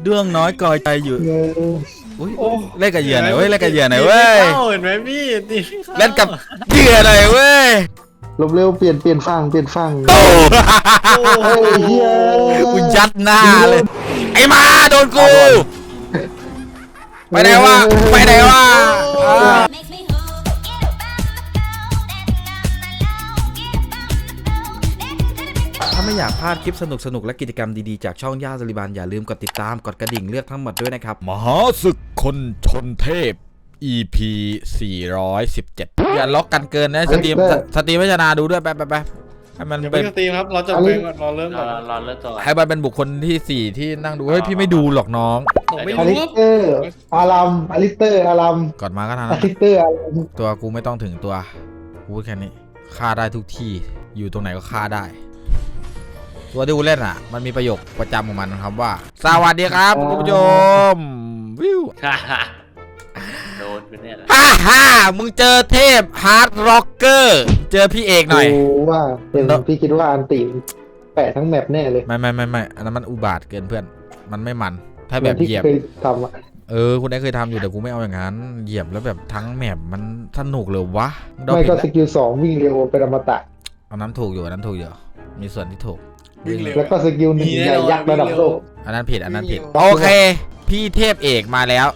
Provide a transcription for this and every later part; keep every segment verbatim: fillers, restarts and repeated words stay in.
เรื่องน้อยกอยใจอยู่อุ้ยเล่นกับเหยื่อหน่อยเว้ยเล่นกับเหยื่อหน่อยเว้ยเห็นไหมพี่ตีเล่นกับเหยื่อหน่อยเว้ยลบเร็วเปลี่ยนเปลี่ยนฝั่งเปลี่ยนฝั่งโอ้เฮียกูยัดหน้าเลยไอ้มาโดนกูไปไหนวะไปไหนวะถ้าไม่อยากพลาดคลิปสนุกๆและกิจกรรมดีๆจากช่องย่าสลิบานอย่าลืมกดติดตามกดกระดิ่งเลือกทั้งหมดด้วยนะครับมหาศึกคนชนเทพ อี พี สี่ร้อยสิบเจ็ดอย่าล็อกกันเกินนะสตรีมสตรีมไม่ชนะดูด้วยแป๊บแป๊บให้มันเป็นสตรีมครับเราจะไปก่อนรอเริ่มก่อนรอเริ่มก่อนให้มันเป็นบุคคลที่สี่ที่นั่งดูเฮ้ยพี่ไม่ดูหรอกน้องอลิสเตอร์อารัมอลิสเตอร์อารัมก่อนมาก็ทันอลิสเตอร์อารัมตัวกูไม่ต้องถึงตัวกูแค่นี้ฆ่าได้ทุกที่อยู่ตรงไหนก็ฆ่าได้ตัวที่กูเล่นอ่ะมันมีประโยคประจำของมันครับว่าสวัสดีครับคุณผู้ชมวิวโดนไปเนี่ยฮ่าฮ่ามึงเจอเทพฮาร์ดร็อกเกอร์เจอพี่เอกหน่อยว่าเป็นพี่คิดว่าอันตีแปะทั้งแมปแน่เลยไม่ไม่ไม่ไม่อันนั้นมันอุบาทเกินเพื่อนมันไม่มันถ้าแบบเหยียบทำอะเออคุณได้เคยทำอยู่แต่กูไม่เอาอย่างนั้นเหยียบแล้วแบบทั้งแมปมันสนุกเลยวะไม่ก็สกิลสองวิ่งเร็วเป็นอมตะอันนั้นถูกอยู่อันนั้นถูกอยู่มีส่วนที่ถูกแล้วก็สกิลหนึ่งใหญ่ยักษ์ระดับโลกอันนั้นผิดอันนั้นผิดโอเคพี่เทพเอกมาแล้ว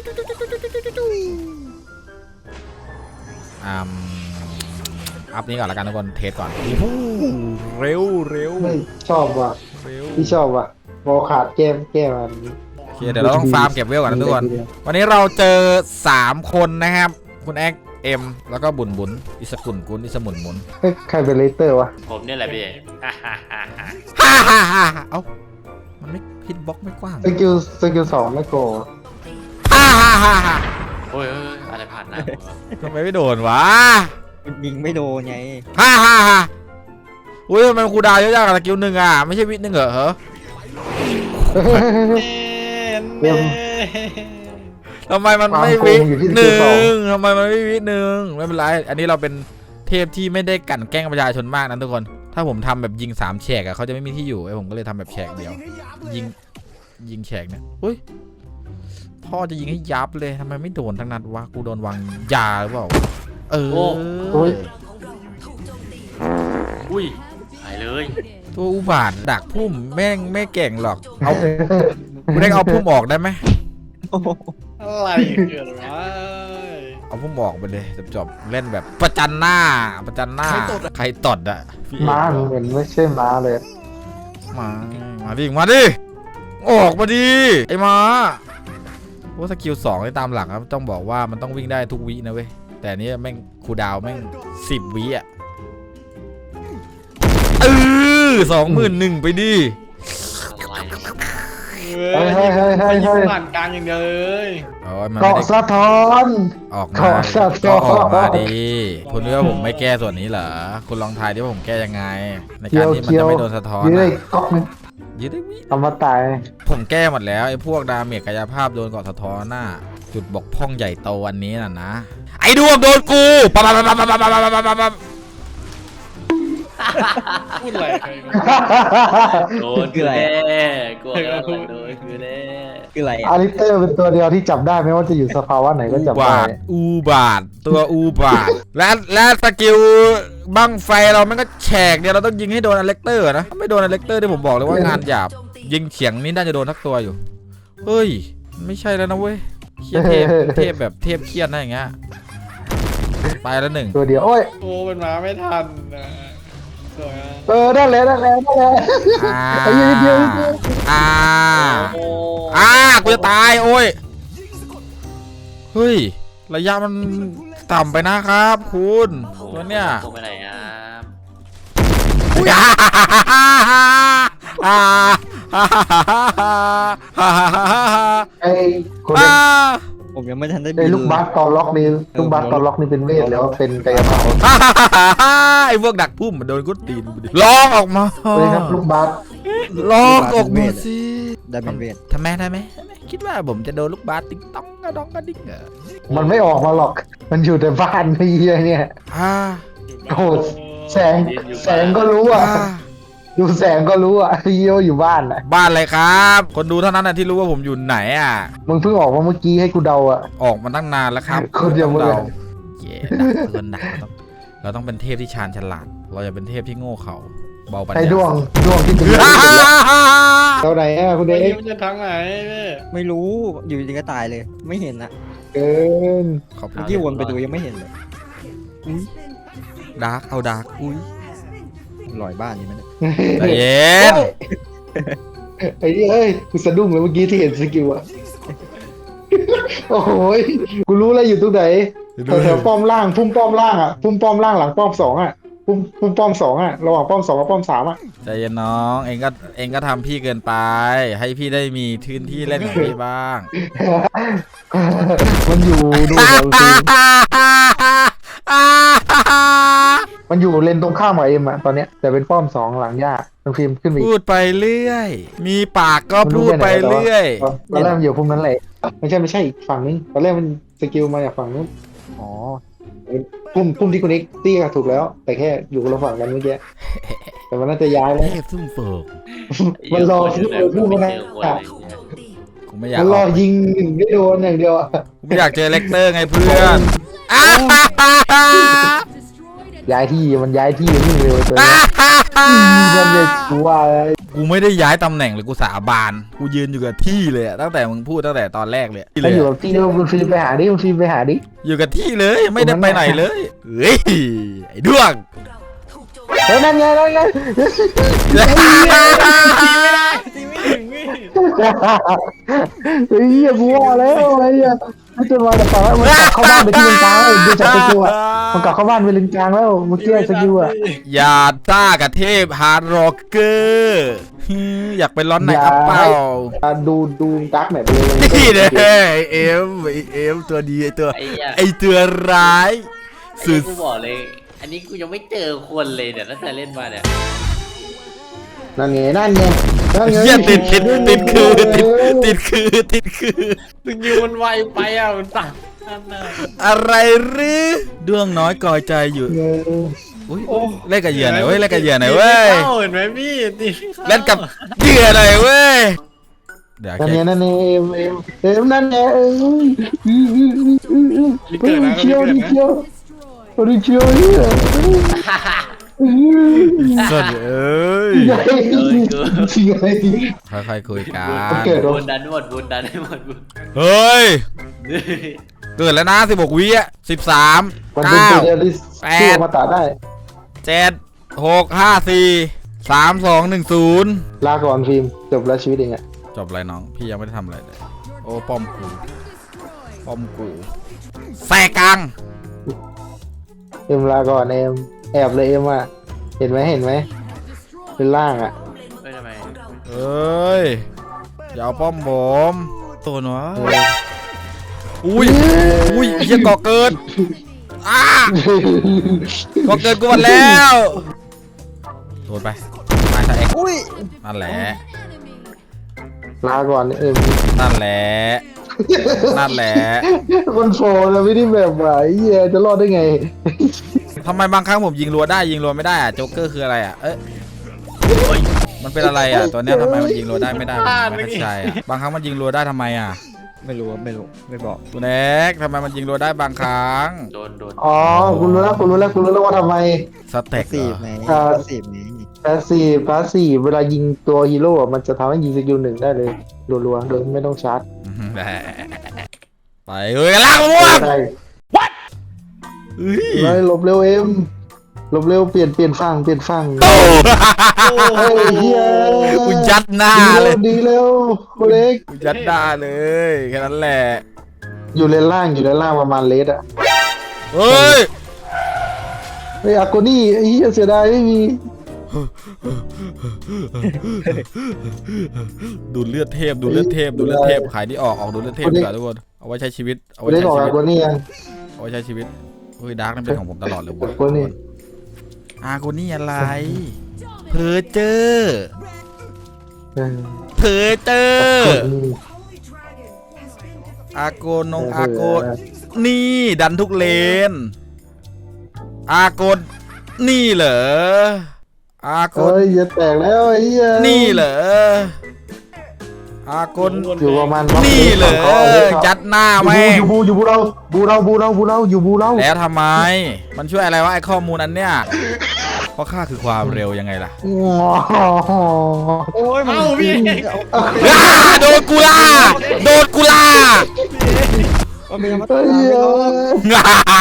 อัพอัพนี้ก่อนละกันทุกคนเทสก่อนเร็วเร็วชอบว่ะพี่ชอบว่ะพอขาดแก้มแก้มมันโอเคเดี๋ยวเราต้องฟาร์มเก็บเวลก่อนนะทุกคนวันนี้เราเจอสามคนนะครับคุณแอ็กเอ็มแล้วก็บุญบุญอิสกุลกุลอิสมุนมุนใครเป็นเลเตอร์วะผมเนี่ยแหละพี่ฮ่าฮ่าฮ่าฮ่าฮ่าฮ่าเอ้ามันไม่ฮิตบ็อกไม่กว้างสกิลสกิลสองไม่โกฮ่าฮ่าฮ่าฮ่าโอ้ยอะไรผ่านนะทำไมไม่โดนวะยิงไม่โดนไงฮ่าฮ่าฮ่าอุ้ยทำไมคูดาวเยอะจังสกิลหนึ่งอ่ะไม่ใช่วิหนึ่งเหรอเหรอทำไมมันไม่วิหนึ่งทำไมมันไม่วิหนึ่งไม่เป็นไรอันนี้เราเป็นเทพที่ไม่ได้กั่นแกล้งประชาชนมากนะทุกคนถ้าผมทำแบบยิงสามแฉกอะเขาจะไม่มีที่อยู่ไอ้ผมก็เลยทำแบบแฉกเดียวยิงยิงแฉกเนี่ยอุ้ยพ่อจะยิงให้ยับเลยทำไมไม่โดนทั้งนัดวะกูโดนวางยาหรือเปล่าเอออุ้ยหายเลยตัวอุบาทดักพุ่มแม่งไม่เก่งหรอกเอากูได้เอาพุ่มออกได้ไหมอะไรเกิดวะเอาพุ่มออกไปเลยจบๆเล่นแบบประจันหน้าประจันหน้าใครตดอ่ะม้าเหมือนไม่ใช่ม้าเลยมามาดิมาดิออกมาดิไอ้ม้าว่าสกิลสองที่ตามหลักครับต้องบอกว่ามันต้องวิ่งได้ทุกวินะเว้ยแต่นี้แม่งคูดาวแม่งสิบวิอ่ะเออสองหมื่นหนึ่งไปดิเฮ้ยเฮ้ยเฮ้ยเฮ้ยเฮ้ยผ่านกลางอย่างเดียวเลยเกาะสะท้อนออกมาก็ออกมาดิคุณรู้ว่าผมไม่แก้ส่วนนี้เหรอคุณลองทายดิว่าผมแก้ยังไงในการที่มันจะไม่โดนสะท้อนยืดได้เกาะนึงยืดได้วิเอามาตายผมแก้หมดแล้วไอ้พวกดาเมจกายภาพโดนเกาะสะท้อนหน้าจุดบกพร่องใหญ่โตวันนี้น่ะนะไอ้ดวงโดนกูปั๊บปั๊บปั๊บปั๊บปั๊บปั๊บปั๊บปั๊บพูดอะไรโดนคืออะไรกลัวโดนคือแน่คืออะไรอาริเตอร์เป็นตัวเดียวที่จับได้ไม่ว่าจะอยู่สภาวะไหนก็จับได้อูบาทตัวอูบาทและและสกิลบั้งไฟเรามันก็แฉกเดียวเราต้องยิงให้โดนอเล็กเตอร์นะไม่โดนอเล็กเตอร์ที่ผมบอกเลยว่างานหยาบยิงเฉียงนี่น่าจะโดนทักตัวอยู่เฮ้ยไม่ใช่แล้วนะเว้ยเครียดเทพเทพแบบเทพเครียดนะอย่างเงี้ยไปแล้วหนึ่งตัวเดียวโอ้ยโอ้เป็นมาไม่ทันนะเออได้แล้วได้แล้วได้แล้วไอ้ยืดยืดอ่าอ่ากูจะตายโอ้ยเฮ้ยระยะมันต่ำไปนะครับคุณตัวเนี้ยตรงไปไหนครับไอ้คนผมยังไม่ทันได้ไอ้ลูกบาสตอนล็อกนี่ลูกบาสตอนล็อกนี่เป็นเวทแล้วเป็นกายภาพไอ้พวกดักพุ่มมันโดนกุดตีนลองออกมาเลยครับลูกบาสลองออกมาสิได้เป็นเวททำไมได้ไหมคิดว่าผมจะโดนลูกบาสติ๊งต้องกระดองกระดิ่งเหรอมันไม่ออกมาหรอกมันอยู่แต่บ้านพี่เนี่ยอ่าโอ้แสงแสงก็รู้อ่ะดูแสงก็รู้อ่ะเยี่ยวอยู่บ้านอ่ะบ้านอะไรครับ คนดูเท่านั้นนะที่รู้ว่าผมอยู่ไหนอ่ะมึงเพิ่งออกมาเมื่อกี้ให้กูเดาอ่ะออกมาตั้งนานแล้วครับคนเดียวต้องเลยเดาเย่ดักเกินดักเราต้องเราต้องเป็นเทพที่ชาญฉลาด เราอย่าเป็นเทพที่โง่เขลาเบาปัญญาไอ้ดวงดวงที่เป็นเท่าไหร่อ่ะคุณเด็ไอ้กมันจะทางไหนแม่ไม่รู้อยู่ดีก็ตายเลย ไม่เห็นนะเกินขอบคุเมื่ณอกี้วนไปดูยังไม่เห็นเลยอุ้ยดาร์กเอาดาร์กอุ้ยหลอยบ้านนี่มันยใจเย็นไอ้นี่เอ้ยกูสะดุ้งเลยเมื่อกี้ที่เห็นสกิลอ่ะโอ้โหยกูรู้แล้วอยู่ตรงไหนแถวๆป้อมล่างพุ่มป้อมล่างอ่ะพุ่มป้อมล่างหลังป้อมสองอ่ะพุ่มพุ่มป้อมสองอ่ะระหว่างป้อมสองกับป้อมสามอ่ะใจเย็นน้องเองก็เองก็ทำพี่เกินไป ให้พี่ได้มีพื้นที่เล่นของพี่บ้างมันอยู่ดูแถวฟิล์มมันอยู่เลนตรงข้ามกับเอ็มอะตอนเนี้ยแต่เป็นป้อมสองหลังยากน้องฟิล์มขึ้นไปอีพูกดไปเรื่อย มีปากก็พูดไปเรื่อยตอนแรกมันอยู่พุ่มนั้นแหละไม่ใช่ไม่ใช่อีกฝั่งนึงตอนแรกมันสกิลมาจากฝั่งนู้นอ๋อพุ่มพุ่มที่คุณเอ็กซ์ตี้ก็ถูกแล้ว แต่แค่อยู่คนละฝั่งกันเมื่อกี้แต่มันน่าจะย้ายแล้วเทพซุ่มเฟิกมันรอเจที่อเปิดพุ่มไม่นะเจอคนเลยกูไม่อยากมันอรออกยิงหนึ่งไม่โดนอย่างเดียวอะกูไม่อยากเจอเลกเตอร์ไงเพื่อนอ้าย้ายที่มันย้ายที่นี่เร็วตัวนี้มันเลยกูว่ากูไม่ได้ย้ายตำแหน่งเลยกูสาบานกูยืนอยู่กับที่เลยอะตั้งแต่มึงพูดตั้งแต่ตอนแรกเลยถ้าอยู่กับที่เดียวคุณฟิล์มไปหาดิคุณฟิล์มไปหาดิอยู่กับที่เลยไม่ได้ไปไหนเลยเฮ้ยไอ้ด้วงเฮ้ยนั่นไงนั่นไงตีไม่ถึงนี่เฮ้ยกูว่าแล้วไอ้เหี้ยไม่จะมาแต่ฝั่งแล้วมันกลับเข้าบ้านไปที่เลนกลางแล้วดูจากสกิลอะมันกลับเข้าบ้านไปเลนกลางแล้วเมื่อกี้สกิลอะอย่าต้ากับเทพฮาร์ดร็อกเกอร์ฮึอยากไปร้อนไหนอัปเปล่าดูดูดักหน่อยไปเลยนี่เลยไอ้เอ็มไอเอ็มตัวดีไอตัวไอ้เหี้ยไอตัวร้ายสุสุดดกูบอกเลย อันนี้กูยังไม่เจอคนเลยเนี่ยตั้งแต่เล่นมาเนี่ยนั่นไงนั่นไงนั่นไงเหี้ยติดติดติดคือติดติดคือติดคือตึงยิวมันไวไปอ่ะมันตัดนั่นน่ะอะไรหรือดวงน้อยกอยใจอยู่เอออุ้ยเล่นกับเหยื่อหน่อยเว้ยเล่นกับเหยื่อหน่อยเว้ยตีไม่เข้าเห็นไหมพี่ตีไม่ข้าเล่นกับเหยื่อหน่อยเว้ยเดี๋ยวนั่นแค่ไงนั่นไงเอ็มเอ็มเอ็มนั่นไงเอ้ยเชียวดิเชียวดิเชียวเนี่ยสุดเอ้ยใหญ่ใหญ่ค่อยๆคุยกันเกิดบุญดันหมดบุญดันให้หมดบุญเฮ้ยเกิดแล้วนะสิบหกวิอ่ะสิบสามมันเป็นเก้าตัวเดียวที่ที่มาตัดได้เจ็ดหกห้าสี่สามสองหนึ่งศูนย์ลาก่อนฟิล์มจบแล้วชีวิตเองอะจบอะไรน้อง พี่ยังไม่ได้ทำอะไรเลย โอ้ป้อมกูป้อมกูแสกกลางเอ็มลาก่อนเอ็มแอบเลยเอ็มอะเห็นไหมเห็นไหมเป็นล่างอะไม่ทำไมเอ้ยอย่าเอาป้อมผมตัวหนวะอุ้ยอุ้ยเหี้ยก่อเกิดอ้าก่อเกิดกูหมดแล้วโดนไปมาซะเอ็กอุ้ยนั่นแหละลาก่อนเอ็มนั่นแหละนั่นแหละคนโฟนเราไม่ได้แบบไหวเหี้ยจะรอดได้ไงทำไมบางครั้งผมยิงรัวได้ยิงรัวไม่ได้อะโจ๊กเกอร์คืออะไรอะเอ๊ะมันเป็นอะไรอะตัวเนี้ยทำไมมันยิงรัวได้ไม่ได้ผมไม่เข้าใจอะบางครั้งมันยิงรัวได้ทำไมอะไม่รู้ไม่รู้ไม่บอกคุณเอ็กทำไมมันยิงรัวได้บางครั้งโดนโดนอ๋อคุณรู้แล้วคุณรู้แล้วคุณรู้แล้วว่าทำไมสเต็กเหรสี่อไหมอ่าสี่ไหมแพสซีฟแพสซีฟเวลายิงตัวฮีโร่อะมันจะทำให้ยิงสกิลหนึ่งได้เลยรัวๆโดยไม่ต้องชาร์จไปเฮ้ยกันล่างม่วงได้เฮ้ยเลยหลบเร็วเอ็มหลบเร็วเปลี่ยนเปลี่ยนฝั่งเปลี่ยนฝั่งโอ้เฮ้ยเฮียกูยัดหน้าดีเลเร็ยวดีเร็วโคเล็กกูยัดหน้าเลยแค่นั้นแหละอยู่เลนล่างอยู่เลนล่างประมาณเลสอะเฮ้ยเฮ้ยอากูนี่ไอ้เหี้ยเสียดายไม่มีดูเลือดเทพดูเลือดเทพดูเลือดเทพขายที่ออกออกดูเลือดเทพดีกว่าทุกคนเอาไว้ใช้ชีวิตเอากูไว้ได้ใช้บอกชีอาวิตกูนี่ยังเอาไว้ใช้ชีวิตเฮ้ยดาร์กนั่นเป็นของผมตลอดเลยอากูนี่อากูนี่อะไรเพอเจอเออเพอเจออากูนี่อาโกนงอาโกนี่ดันทุกเลน อาโกนนี่เหรออากลเอ้ยจะแตกแล้วไอ้เหี้ยนี่เหรออากลอยู่ประมาณนี่เหรอยัดหน้าอยู่แม่งบูอยู่บูอยู่บูเราบูเราบูเราบูเราอยู่บูเราแล้วทำไม มันช่วยอะไรวะไอ้ข้อมูลอันเนี้ยเพราะค่าคือความเร็วยังไงล่ะโอ้ยมันเอ้าพี่อ้าโดนกูล่าโดนกูล่ามันเป็นธรรมเฮ้ดาย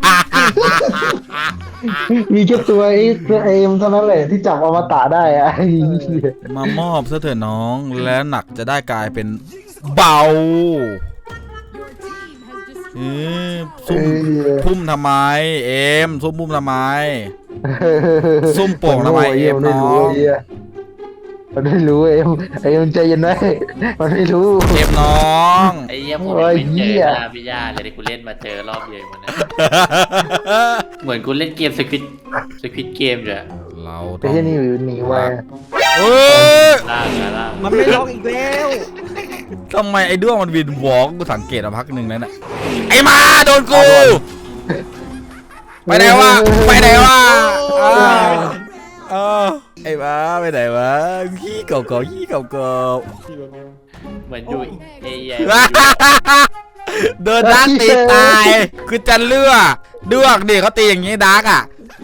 มีแค่ตัวไอ้ตัวเอมเท่านั้นแหละที่จับอมตะได้อะไอ้เหี้ยมามอบซะเถอะน้องและหนักจะได้กลายเป็นเบาเออซุ่มพุ่มทำไมเอ็มซุ่มพุ่มทำไม ซุ่มโป่งทำไมเอ็มน้องมันไม่รู้เอ็มไอ้เอ็มใจเย็นไว้มันไม่รู้เอ็มน้องไอ้เหี้ยผมโอ้ยไม่เหี้เจอย หน้าพี่ย่าเลยที่กูเล่นมาเจอรอบเดียวมันนะเหมือนกูเล่นเกมสควิตสควิตเกมเลยเราไอ้ต้องเหี้ยนี่อยู่หนีไว้เอ้ยล่างนะล่างมันไม่ล็อกอีกแล้วทำไมไอ้ด้วงมันวินวอล์กกูสังเกตมาพักหนึ่งแล้วน่ะไอ้มาโดนกูไปไหนวะไปไหนวะอ้าวอ้าวไอ้มาไปไหนวะขี้เก่าๆขี้เก่าๆเหมือนอยู่เอไอโดนดาร์กตีตาย คือจะเลือกด้วงดิเขาตีอย่างงี้ดาร์กอ่ะ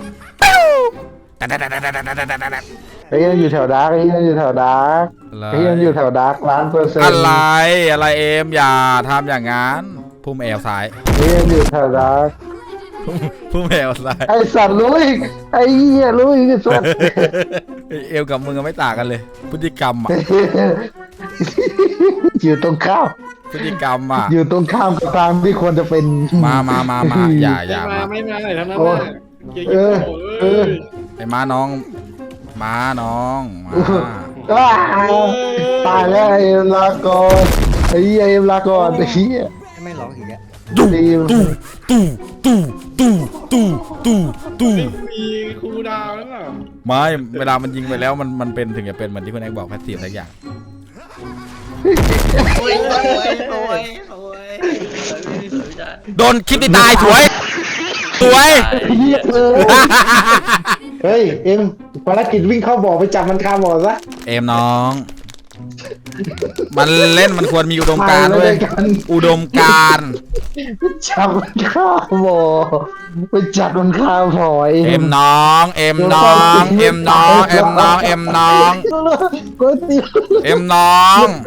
ไอ้เหี้ยอยู่แถวดาร์กไอ้เหี้ยอยู่แถวดาร์กไอ้เหี้ยอยู่แถวดาร์กล้านเปอร์เซ็นต์อะไรอะไรเอ็มอย่าทำอย่างนั้นพุ่มแอลซ้ายไอ้เหี้ยอยู่แถวดาร์กพุ่มแอลซ้ายไอ้สัตว์รู้อีกไอ้เหี้ยรู้อีกไอ้สัตว์เอลกับมึงก็ไม่ต่างกันเลย พฤติกรรมอ่ะอยู่ตรงข้ามพฤติกรรมอ่ะอยู่ตรงข้ามกับทางที่ควรจะเป็นมามามามาอย่าอย่ามามาไม่มาไหนทั้งนั้นโอ้น่ะเกียร์เอยี่อโอ้เออยไอ้ม้าน้องม้าน้องมาอ้าวตายแล้วไอ้เอ็มลาก่อนไอ้เหี้ยเอ็มลาก่อนไอ้เหี้ยไม่ล็อกอีกแล้วตู้ตู้ตู้ตู้ตู้ตู้ตู้ตู้มีครูดาวแล้วเปล่าไม่เวลามันยิงไปแล้วมันมันเป็นถึงจะเป็นเหมือนที่คุณแอกบอกแพสซีฟอะไรอย่างโอ้ยโอ้ยโอ้ยโอ้ยโดนคลิปที่ตายสวย สวยไอ้เหี้ยเออเฮ้ยเอ็มภารกิจวิ่งเข้าบ่อไปจับมันคาบ่อซะเอมน้อง มันเล่นมันควรมีอุดมการณ์ไปด้เลวยยกันอุดมการณ์จับมันคาบ่อไปจับมันคาบ่อเอ็มน้อง เอ็มน้อง เอ็มน้อง เอ็มน้อง เอ็มน้องก๋วยเตี๋ยวเอ็มน้อง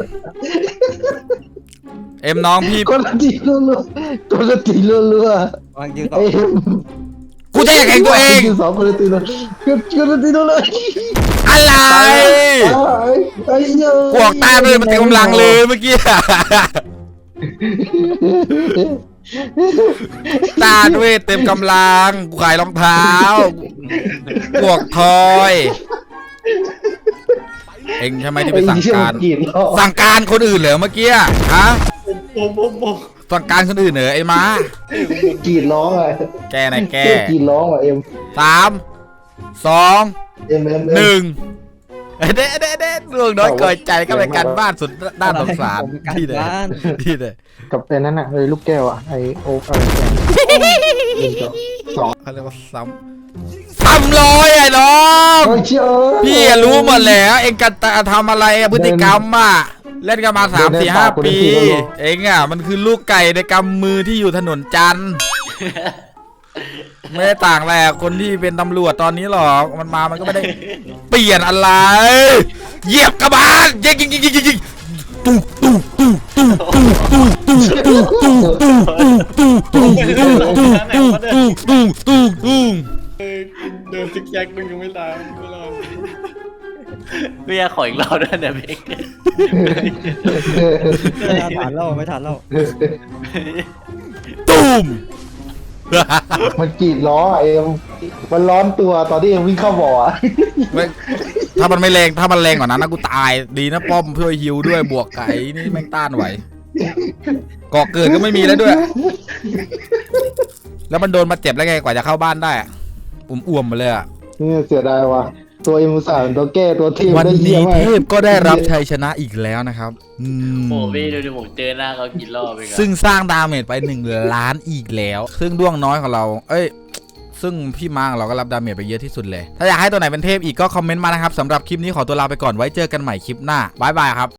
เอ็มน้องพี่ก๋วยเตี๋ยวรัวๆก๋วยเตี๋ยวรัววางยืนๆต่อเอ็มกูจะแข่งตัวเองสองก๋วยเตี๋ยวรัวก๋วยเตี๋ยวรัวอะไรไอ้เหี้ยพวกตาเลยมันเต็มกำลังเลยเมื่อกี้ ตาด้วยเต็มกำลัง กูขายรองเท้าพวกทอย เอ็งใช่ไหมที่ไปสั่งการไอ้เหี้ยมันกรีดร้องสั่งการคนอื่นเหรอเมื่อกี้ฮะผมผมผมสั่งการคนอื่นเหรอไอ้ม้ากรีดร้องอะแกไหนแกกรีดร้องอ่ะเอ็มสามสองเอ็มเอ็มหนึ่งเด็ดเด็ดเด็ดดวงน้อยเกิดใจก็เป็นการบ้านสุดด้านสงสารผมการที่ไหนบ้านที่ไหนกับไอ้นั่นอ่ะไอ้ลูกแก้วอ่ะไอ้โอ๊กอะไรแกสองเขาเรียกว่าซ้ำซ้ำร้อยไอ้น้องเฮ้ยเชื่อพี่อะรู้หมดแล้วเองกันทำอะไรอะพฤติกรรมอะเล่นกันมาสามสี่ห้าปี เองอะมันคือลูกไก่ในกำมือที่อยู่ถนนจันทร์ไม่ได้ต่างแหละคนที่เป็นตำรวจตอนนี้หรอกมันมามันก็ไม่ได้เปลี่ยนอะไร เหยียบกระบาลยิงยิงยิงยิงยิงตู้ตู้ตู้ตู้ตู้ตู้ตู้ตู้ตู้ตู้ตู้ตู้ตู้ตู้ตู้ตู้ตู้ตู้เออเดินซิกแซกมึงยังไม่ตายไม่รอดเบียร์ขออีกรอบด้วยเนี่ยเบกไม่ทันแล้วไม่ทันแล้วตูมมันกรีดล้ออ่ะเอ็มมันร้อนตัวตอนที่เอ็มวิ่งเข้าบ่ออ่ะถ้ามันไม่แรงถ้ามันแรงกว่านั้นนะกูตายดีนะป้อมเพื่อฮิวด้วยบวกไก่นี่แม่งต้านไหวก่อเกิดก็ไม่มีแล้วด้วย แล้วมันโดนมาเจ็บแล้วไงกว่าจะเข้าบ้านได้อะอุ่มอ่วมมาเลยอะนี่เสียดายว่ะตัวเอ็มอุตส่าห์เป็นตัวแก้ตัวทีมวันได้เยี่นี้ยมมากเทพก็ได้รับชัยชนะอีกแล้วนะครับอืมโอ้พี่ดูดิผมเจอหน้าเขากี่รอบไปกันซึ่งสร้างดาเมจไปหนึ่งล้านอีกแล้ว ซึ่งด้วงน้อยของเรา เอ้ยซึ่งพี่มาร์คเราก็รับดาเมจไปเยอะที่สุดเลยถ้าอยากให้ตัวไหนเป็นเทพอีกก็คอมเมนต์มานะครับสำหรับคลิปนี้ขอตัวลาไปก่อนไว้เจอกันใหม่คลิปหน้าบ๊ายบายครับ